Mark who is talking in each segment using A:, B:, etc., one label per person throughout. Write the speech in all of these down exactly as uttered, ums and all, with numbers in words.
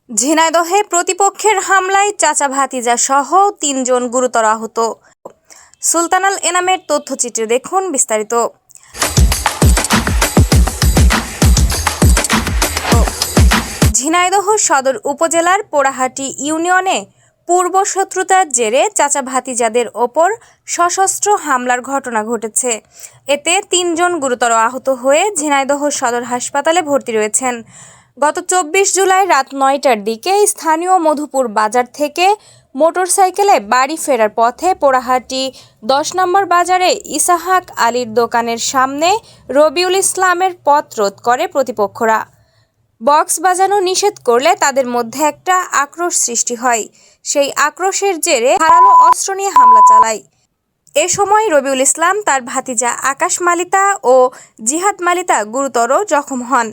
A: ঝিনাইদহে প্রতিপক্ষের হামলায় চাচা ভাতিজা সহ তিনজন গুরুতর আহত। সুলতানাল এনামের তথ্যচিত্রে দেখুন বিস্তারিত। ঝিনাইদহ সদর উপজেলার পোড়াহাটি ইউনিয়নে পূর্ব শত্রুতার জেরে চাচা ভাতিজাদের ওপর সশস্ত্র হামলার ঘটনা ঘটেছে। এতে তিনজন গুরুতর আহত হয়ে ঝিনাইদহ সদর হাসপাতালে ভর্তি রয়েছেন। গত চব্বিশ জুলাই রাত নয়টার দিকে স্থানীয় মধুপুর বাজার থেকে মোটরসাইকেলে বাড়ি ফেরার পথে পোড়াহাটি দশ নম্বর বাজারে ইসাহাক আলীর দোকানের সামনে রবিউল ইসলামের পথ রোধ করে প্রতিপক্ষরা। বক্স বাজানো নিষেধ করলে তাদের মধ্যে একটা আক্রোশ সৃষ্টি হয়। সেই আক্রোশের জেরে ধারালো অস্ত্র নিয়ে হামলা চালায়। এ সময় রবিউল ইসলাম, তার ভাতিজা আকাশ মালিতা ও জিহাদ মালিতা গুরুতর জখম হন।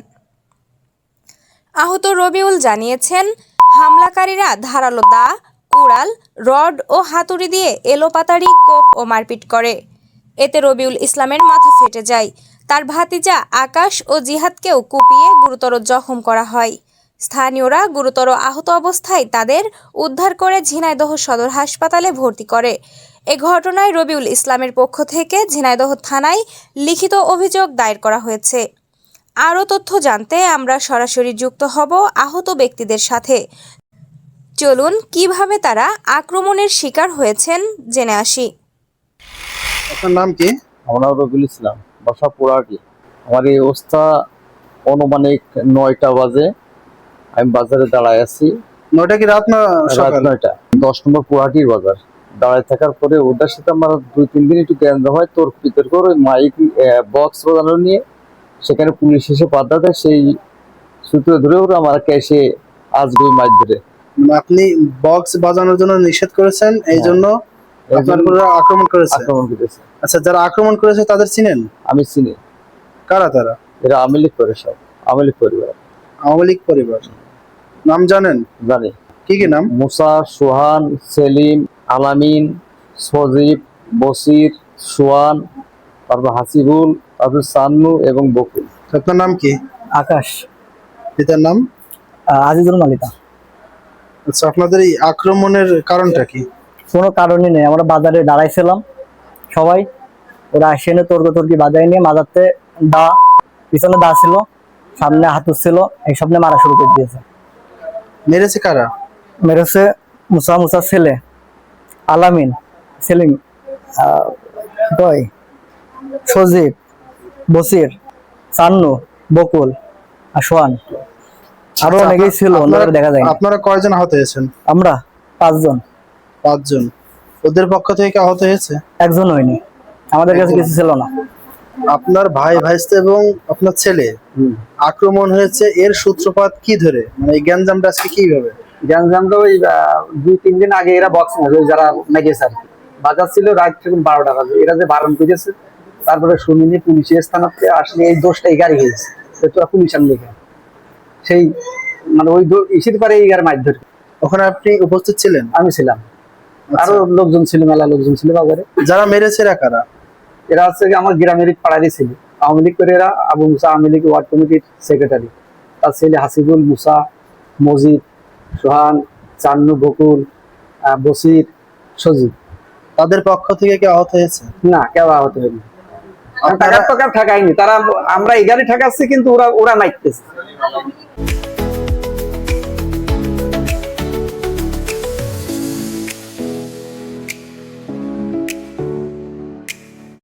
A: আহত রবিউল জানিয়েছেন, হামলাকারীরা ধারালো দা, কুড়াল, রড ও হাতুড়ি দিয়ে এলোপাতাড়ি কোপ ও মারপিট করে। এতে রবিউল ইসলামের মাথা ফেটে যায়। তার ভাতিজা আকাশ ও জিহাদকেও কুপিয়ে গুরুতর জখম করা হয়। স্থানীয়রা গুরুতর আহত অবস্থায় তাদের উদ্ধার করে ঝিনাইদহ সদর হাসপাতালে ভর্তি করে। এ ঘটনায় রবিউল ইসলামের পক্ষ থেকে ঝিনাইদহ থানায় লিখিত অভিযোগ দায়ের করা হয়েছে। আরও তথ্য জানতে আমরা সরাসরি যুক্ত হব আহত ব্যক্তিদের সাথে। চলুন কিভাবে তারা আক্রমণের শিকার হয়েছেন জেনে আসি।
B: আপনার নাম কি?
C: আমার নাম রবিউল ইসলাম, বাসা পোড়াহাটি। আমার এই অবস্থা অনুমানিক নয়টা বাজে। আমি বাজারে দাঁড়ায় আছি।
B: নয়টা কি রাত না সকাল?
C: নয়টা। দশ নম্বর পোড়াহাটির বাজার দাঁড়ায় থাকার পরে ওদের সাথে আমার দুই তিন দিন একটু জ্ঞান হয়, তোর বিতর্ক ওই মাইক বক্স বাজানো নিয়ে। সেখানে পুলিশ এসে বাধা দেয়, সেই সূত্রে ধরে ওরা আমার এসে আজকে মাইক ধরে।
B: আপনি বক্স বাজানোর জন্য নিষেধ করেছেন, এই জন্য আক্রমণ করেছে
C: আক্রমণ করেছে
B: আচ্ছা, যারা আক্রমণ করেছে তাদের চিনেন?
C: আমি চিনি।
B: কারা তারা?
C: এরা আওয়ামী লীগ করে, সব আওয়ামী লীগ পরিবার।
B: আওয়ামী লীগ পরিবার নাম জানেন?
C: জানি।
B: কি কি নাম?
C: মুসা, সোহান, সেলিম, আলামিন, সজীব, বসির, সোহান, তারপর হাসিবুল, তারপর সান্নু এবং বকুল।
B: আপনার নাম কি?
D: আকাশ।
B: পিতার নাম?
D: আজিজুল মালিতা।
B: আচ্ছা, আপনাদের এই আক্রমণের কারণটা কি?
D: কোনো কারণই নেই, আমরা বাজারে দাঁড়াইছিলাম সবাই, ওরা আসে এনে তর্কতর্কি বাজারে নিয়ে মাজারতে দা, পিছনে দা ছিল, সামনে হাতুর ছিল, এই সামনে মারা শুরু করে দিয়েছে।
B: মেরেছে কারা?
D: মেরেছে মুসা, মুসার ছেলে আলামিন, সেলিম, দয়, সজীব, বসির, সান্নু, বকুল আর সোহান। আরো অনেকেই ছিল, দেখা যায়।
B: আপনারা কয়জন আহত হয়েছেন?
D: আমরা পাঁচজন।
B: পাঁচজন। ওদের পক্ষ থেকে আহত হয়েছে
D: একজন হয়নি, আমাদের কাছে কিছু ছিল না।
B: আপনার ভাই ভাইস্তে এবং আপনার ছেলে আক্রমণ হয়েছে, এর সূত্রপাত কি ধরে? মানে এই গ্যাঞ্জামটা আজকে কিভাবে?
E: গ্যাঞ্জামটা ওই দুই তিন দিন আগে এরা বক্স মারবে, যারা মেগেছে আর কি, বাজার ছিল রাত থেকে বারোটা বাজে, এরা যে বারণ করেছে, তারপরে শুনিনি পুলিশের স্থানাতে আসলে এই দোষটা এই গাড়ি হয়েছে, তোরা পুলিশ আনলে সেই মানে ওই ইসির পারে এই গাড়ি মাছ ধরে।
B: ওখানে আপনি উপস্থিত ছিলেন?
E: আমি ছিলাম, আরো লোকজন ছিল, মেলা লোকজন ছিল বাজারে।
B: যারা মেরেছে এরা কারা?
E: এরা হচ্ছে আমার গ্রামের পাড়ারই ছিল, আওয়ামী লীগ করে। এরা আবু মুসা আওয়ামী লীগ ওয়ার্ড কমিটির সেক্রেটারি, তার ছেলে হাসিবুল, মুসা, মজিদ, সোহান, চান্নু, বকুল, বসির, সজীব।
B: তাদের পক্ষ থেকে কি আহত হয়েছে?
E: না, কেউ আহত হয়নি। টাকার টাকা ঠেকায়নি তারা, আমরা এই গাড়ি ঠেকাচ্ছি, কিন্তু ওরা ওরা মাইতেছে।